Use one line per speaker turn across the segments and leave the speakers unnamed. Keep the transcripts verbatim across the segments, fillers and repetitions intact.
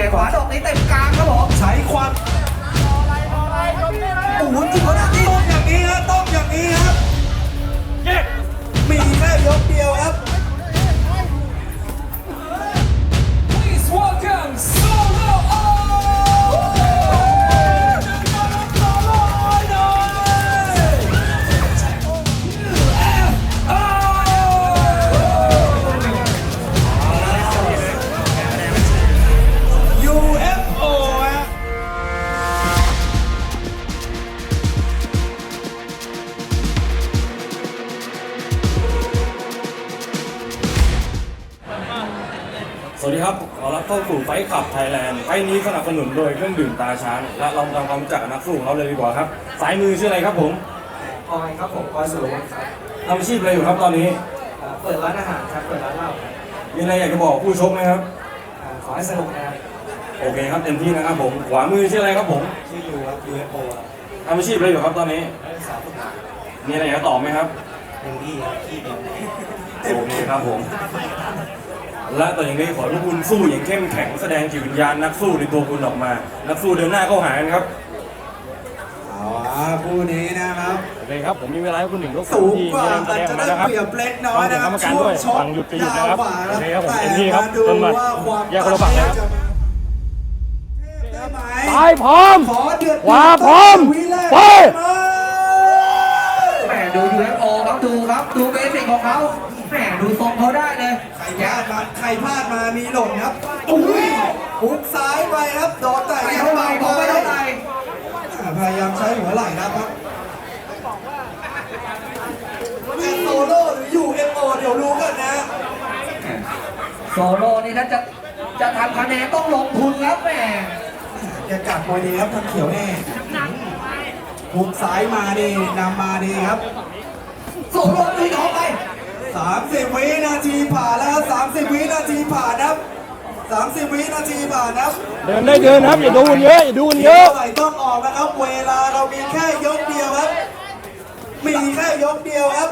ขวาดอกนี้เต็มกลางครับผม
ใช้ความ
โอ้โหจริงเขาหน้าที่
ต้องอย่างนี้ฮะต้องอย่างนี้ครับมีแค่ยกเดียวครับ
สวัสดีครับขอรับเข้าสู่ไฟขับไทยแลนด์ไฟนี้สนับสนุนโดยเครื่องดื่มตาช้างและเราทำความรู้จักนักสู้ของเขาเลยดีกว่าครับสายมือชื่ออะไรครับผม
ออยครับผมออยสุรวัฒน์ครับ
ทำอาชีพอะไรอยู่ครับตอนนี้
เปิดร้านอาหารครับเปิดร้านเหล้า
มีอะไรอยากจะบอกผู้ชมไหมครับ
ขอให้สนุกนะครับ
โอเคครับเต็มที่นะครับผมขวามือชื่ออะไรครับผม
ชื่อยูครับ ยู เอฟ โอ
ทำอาชีพอะไรอยู่ครับตอนนี้
สาวฝึกงาน
มีอะไรอยากจะตอบไหมครับ
เต็มที่ครับที่เดียว
โอเคครับผมและต่ออย่างนี้ขอให้คุณสู้อย่างเข้มแข็งแสดงจิตวิญญาณนักสู้ในตัวคุณออกมานักสู้เดินหน้าเข้าหากันครับ
เอาอ่ะคู่นี้นะครับ
โอเคครับผมมีเวลาให้คุณหนึ่งยก
สูงกว่าอาจจะได้เปรียบเล็กน้อยนะครับช่วงชก
ฟังหยุดไปหยุดนะครับโอเคครับผมเต็มที่ครับจนมาแยกคนละฝั่งนะครับ
ตาย
พร้อมขวาพร้อมไป
แหมดู ยู เอฟ โอ ครับดูครับดูเบสิกของเขาแหมดูทรงเขาได้เลย
ใครพลาดมาใครพลาดมามีหล่นครับอุ้ยหุกซ้ายไปครับโดนแต่
ไม่เท่าไหร่ผมไม่เท่าไหร่
พยายามใช้หัวไหล่นะครับแอนโซโล่หรือ ยู เอฟ โอ เดี๋ยวรู้กันนะ
โซโล่นี่ถ้าจะจะทำคะแนนต้องลงทุนครับแม่
อย่ากัดมวยดีครับทางเขียวแน่หุกซ้ายมาดีนำมาดีครับ
โซโล่ตีออกไป
สามสิบวินาทีผ่านแล้วสามสิบวินาทีผ่านครับสามสิบวินาทีผ่านครับ
เดินได้เดินครับอย่าดูเยอะอย่าดูเยอะ
ไหลต้องออกนะครับเวลาเรามีแค่ยกเดียวครับมีแค่ยกเดียวครับ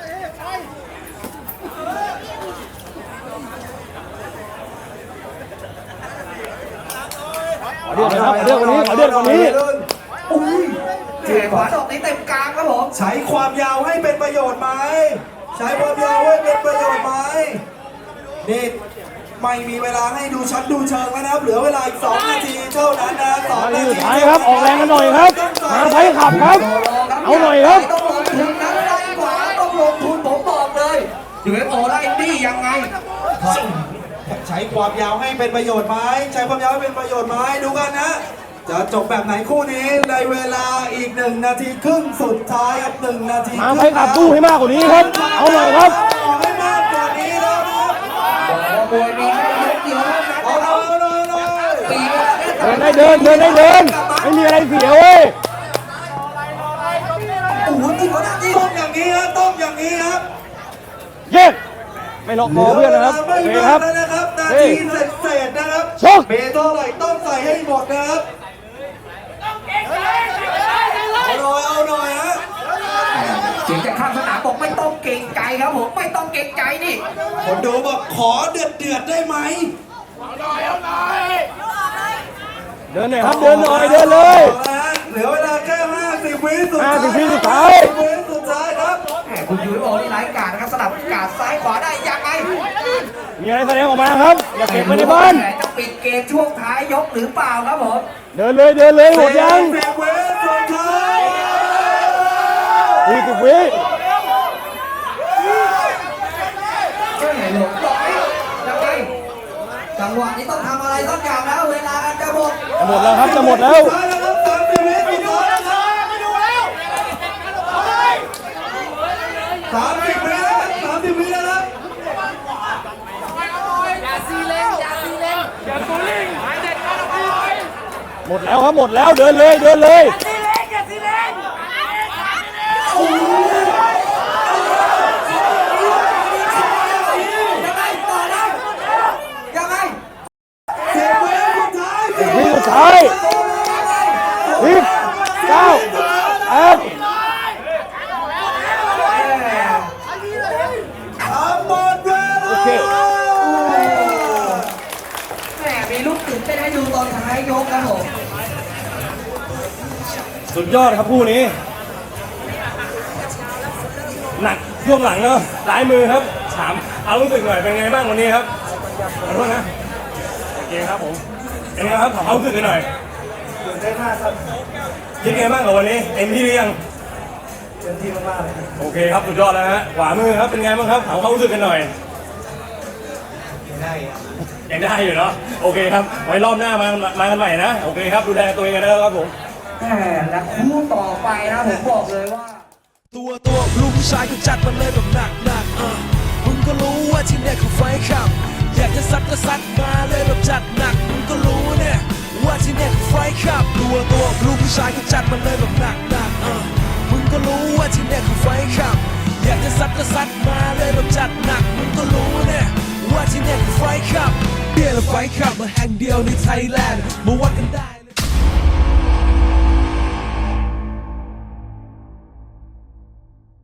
ขอเดือดนะครับขอเดือดกว่านี้ขอเดือดกว่านี้
อุ้ยเจ็บขวาดอกนี้เต็มกลางครับผม
ใช้ความยาวให้เป็นประโยชน์ไหมใช้ความยาวให้เป็นประโยชน์ไหมนี่ไม่มีเวลาให้ดูชั้นดูเชิงแล้วนะครับเหลือเวลาอีกสองนาทีเท่านั้นนะสองนาที
ท้ายครับออกแรงกันหน่อยครับมาไฟขับครับเอาหน่อยครับ
ต้องลงทุนนะไล่ขวาต้องลงทุนผมบอกเลย ยู เอฟ โอ ไล่นี่ยังไง
ใช้ความยาวให้เป็นประโยชน์ไหมใช้ความยาวให้เป็นประโยชน์ไหมดูกันนะจะจบแบบไหนคู่นี้ในเวลาอีกหนึ่งนาทีครึ่งสุดท้ายครับหนึ่งนาที
มาไฟขับตู้ให้มากกว่านี้ครับเอาหน่อยครับ
ให้มากกว่านี้แล้วครับ
บวยมีแค่ยกเดียว
เอาหน่อยเอาหน่อย
เดินได้เดินเดินได้เดินไม่มีอะไรเสียเว้ย
โอ้โหจริงเขาหน้าที่
ต้องอย่างนี้ครับต้องอย่างนี้ครับ
เย้ไม่ล็อกคอเพื่อนนะครับโอเคครับ
นะครับนาทีเศษๆนะครับเบเท่าไหร่ต้องใส่ให้หมดนะครับเอาหน่อยเอาหน่อยฮะ
เสียงจากข้างสนามบอกไม่ต้องเก่งใจครับผมไม่ต้องเก่งใจนี่
คนดูบอกขอเดือดเดือดได้ไหม
เอาหน่อยเอาหน่อยเดินหน่อยครับเดินหน่อยเดินเลย
เหลือเวลาแค่ห้าสิบวิสุดท้าย
ห้าสิบวิสุดท้าย
สุดท้ายครับ
คุณ ยู เอฟ โอ นี่ไร้กาดนะครับสลับกาดซ้ายขวาได้ยังไง
มีอะไรแสดงออกมาครับอย่าเก็บไว้ในบ้าน
จะปิดเกมช่วงท้ายยกหรือเปล่าครับผม
เดินเลยเดินเลยหมดยัง
สิบวิสุดท้าย
ยี่สิบวิ
จังหวะนี้ต้องทำอะไรสักอย่างแล้วเวลาจะหมด
จะหมดแล้วครับจะหมดแล้ว
สามสิบวิแล้วสามสิบวิแล้วครับ
อย่าซีเล่นอย่าซีเล่นอย่าซูลิงหมดแล้วครับหมดแล้วเดินเลยเดินเลยอย่าซีเล่นอย่าซีเล่น
ยังไงต่อได้ยังไง
เสียเวลสุดท้าย
สิบวิสุดท้ายสิบเก้าแปด
หมดเวลา
แหมมีลูกตื่นเต้นให้ให้ดูตอนท้ายยกครับผม
สุดยอดครับคู่นี้ หนักช่วงหลังเนาะซ้ายมือครับถามเอารู้สึกหน่อยเป็นไงบ้างวันนี้ครับขอโทษนะโอเคครับผมเป็นไงครับถามเอารู้สึกหน่อย
ตื่นเต้นมากครับ
คิดไงบ้างกับวันนี้เต็มที่หรือยัง
เต็มที่มากๆเลย
โอเคครับสุดยอดแล้วฮะขวามือครับเป็นไงบ้างครับถามเขารู้สึกกันหน่อย
ได้ครับ
ยังได้อยู่เนาะโอเคครับไว้รอบหน้ามามากันใหม่นะโอเคครับดูแลตัวเองกันนะครับผม
แหมและคู่ต่อไปนะผมบอกเลยว่า
ตัวตัวลูกผู้ชายก็จัดมาเลยแบบหนักหนักๆเออมึงก็รู้ว่าที่เนี่ยคือไฟขับ อยากจะซัดก็ซัดมาเลยแบบจัดหนักมึงก็รู้เนี่ยว่าที่เนี่ยคือไฟขับ ตัวตัวลูกผู้ชายก็จัดมาเลยแบบหนักหนักๆเออมึงก็รู้ว่าที่เนี่ยคือไฟขับ อยากจะซัดก็ซัดมาเลยแบบจัดหนักมึงก็รู้เนี่ยว่าที่เนี่ยคือไฟขับเบียร์และไฟขับมาแห่งเดียวในไทยแลนด์มาวัดกันได้